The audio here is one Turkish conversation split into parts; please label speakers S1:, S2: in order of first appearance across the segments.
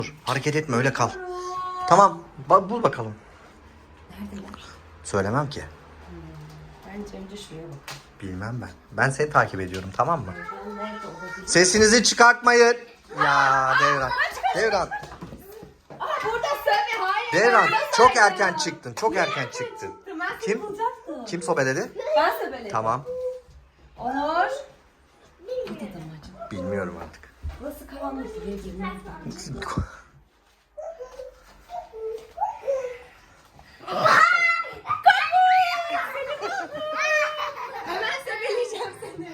S1: Dur, hareket etme, öyle kal. Tamam, bul bakalım.
S2: Neredeler?
S1: Söylemem ki.
S2: Bence önce şuraya bak.
S1: Bilmem ben. Ben seni takip ediyorum, tamam mı?
S2: Nerede olabilir?
S1: Sesinizi çıkartmayın. Ya Devran. Devran.
S2: Burada söyle, hayır.
S1: Devran
S2: Burada
S1: çok
S2: söyle.
S1: erken çıktın. Çok erken çıktın.
S2: Ben seni
S1: Kim?
S2: bulacaktım.
S1: Kim sobeledi?
S2: Ben söyleyeyim.
S1: Tamam.
S2: Onur. Burada da mı acaba?
S1: Bilmiyorum artık.
S2: Burası karanlık, buraya girmez bence. Hemen söyleyeceğim seni.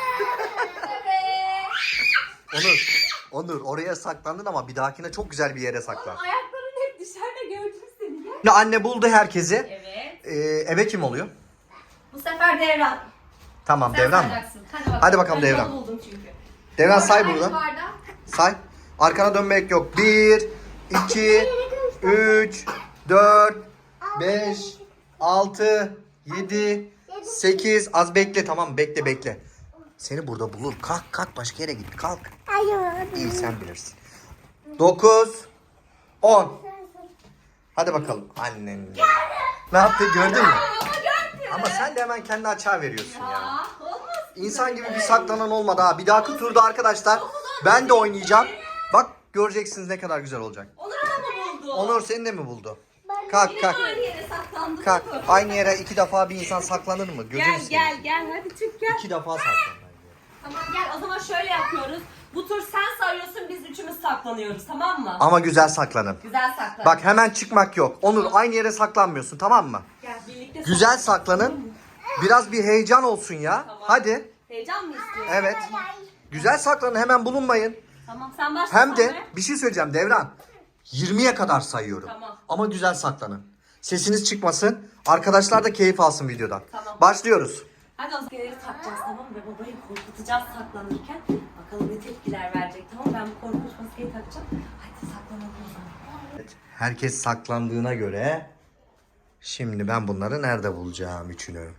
S1: Onur oraya saklandın ama bir dahakine çok güzel bir yere saklan.
S2: Ayakların hep dışarıda, gördüm seni. Gel.
S1: Şimdi anne buldu herkesi.
S2: Evet.
S1: Ebe kim oluyor?
S2: Bu sefer Devran.
S1: Tamam,
S2: Sen
S1: Devran mı?
S2: sayacaksın. Hadi bakalım.
S1: Hadi bakalım
S2: Ben
S1: Devran.
S2: yolu buldum çünkü.
S1: Devran say
S2: Orada
S1: buradan.
S2: hangi bardak?
S1: Say. Arkana dönmek yok. 1, 2, 3, 4, 5, 6, 7, 8. Az bekle, tamam, bekle. Seni burada bulur. Kalk başka yere git. Kalk. İyi, sen bilirsin. 9, 10. Hadi bakalım. Annen. Ne yaptı, gördün mü?
S2: Ama görmüyor.
S1: Ama sen de hemen kendi açığa veriyorsun ya.
S2: Olmaz.
S1: İnsan gibi bir saklanan olmadı ha. Bir dahaki turda arkadaşlar ben de oynayacağım. Bak göreceksiniz ne kadar güzel olacak.
S2: Onur ama buldu.
S1: Onur seni de mi buldu? Kalk.
S2: Yine aynı yere saklandı.
S1: Kalk. Aynı yere 2 defa bir insan saklanır mı? Gözünü seveyim.
S2: Gel hadi çık gel.
S1: 2 defa saklanır.
S2: Tamam gel, o zaman şöyle yapıyoruz. Bu tur sen sayıyorsun, biz üçümüz saklanıyoruz, tamam mı?
S1: Ama güzel saklanın.
S2: Güzel saklan.
S1: Bak hemen çıkmak yok. Onur aynı yere saklanmıyorsun, tamam mı?
S2: Gel birlikte
S1: Güzel saklanın. Biraz bir heyecan olsun ya.
S2: Tamam.
S1: Hadi.
S2: Heyecan mı istiyorsun?
S1: Evet. Güzel saklanın, hemen bulunmayın.
S2: Tamam sen başla.
S1: Hem de
S2: sonra.
S1: bir şey söyleyeceğim Devran. 20'ye kadar sayıyorum.
S2: Tamam.
S1: Ama güzel saklanın. Sesiniz çıkmasın. Arkadaşlar da keyif alsın videodan.
S2: Tamam.
S1: Başlıyoruz.
S2: Hadi o zaman maskeleri takacağız, tamam mı? Ve babayı korkutacağız saklanırken. Bakalım ne tepkiler verecek, tamam mı? Ben bu korkunç maskeyi takacağım. Hadi saklanalım o zaman.
S1: Evet, herkes saklandığına göre şimdi ben bunları nerede bulacağım üçünü?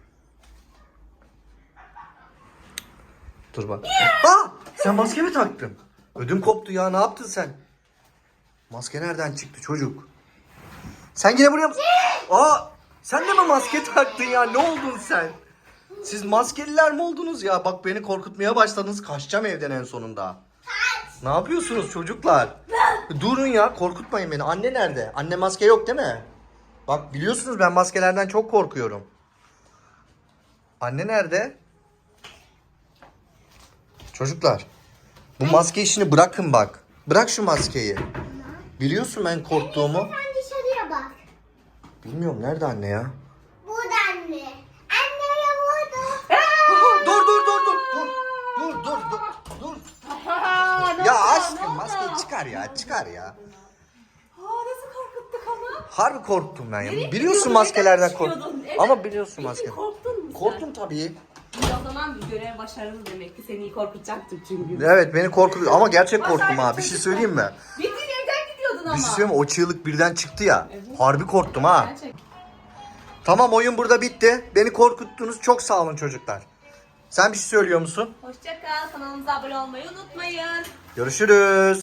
S1: Dur bak. Aa! Sen maske mi taktın? Ödüm koptu ya. Ne yaptın sen? Maske nereden çıktı çocuk? Sen yine buraya mı? Aa! Sen de mi maske taktın ya? Ne oldun sen? Siz maskeliler mi oldunuz ya? Bak beni korkutmaya başladınız. Kaçacağım evden en sonunda. Ne yapıyorsunuz çocuklar? Durun ya, korkutmayın beni. Anne nerede? Anne maske yok değil mi? Bak biliyorsunuz ben maskelerden çok korkuyorum. Anne nerede? Çocuklar, bu maske işini bırakın bak. Bırak şu maskeyi. Biliyorsun ben korktuğumu.
S3: Sen dışarıya bak.
S1: Bilmiyorum, nerede anne ya?
S3: Burada anne. Anneye burada.
S1: Dur. Ya aşkım maskeyi çıkar ya.
S2: Nasıl korkuttuk ama?
S1: Harbi korktum ben ya.
S2: Nereye
S1: Biliyorsun
S2: gidiyordun?
S1: maskelerden
S2: Neden
S1: korktum.
S2: çıkıyordun? Evet.
S1: Ama biliyorsun
S2: Peki,
S1: maske.
S2: korktun mu sen?
S1: Korktum tabii.
S2: İyi, o zaman bir görev başarılı demek ki, seni iyi korkutacaktım çünkü.
S1: Evet beni korkutuyor ama gerçek korktum ha.
S2: Başardık
S1: Bir şey
S2: çocuklar.
S1: söyleyeyim mi?
S2: Bildiğin evden gidiyordun ama.
S1: Bir şey söyleyeyim mi? O çığlık birden çıktı ya.
S2: Evet.
S1: Harbi korktum ha.
S2: Gerçek.
S1: Tamam, oyun burada bitti. Beni korkuttunuz. Çok sağ olun çocuklar. Sen bir şey söylüyor musun?
S2: Hoşça kal, kanalımıza abone olmayı unutmayın.
S1: Görüşürüz.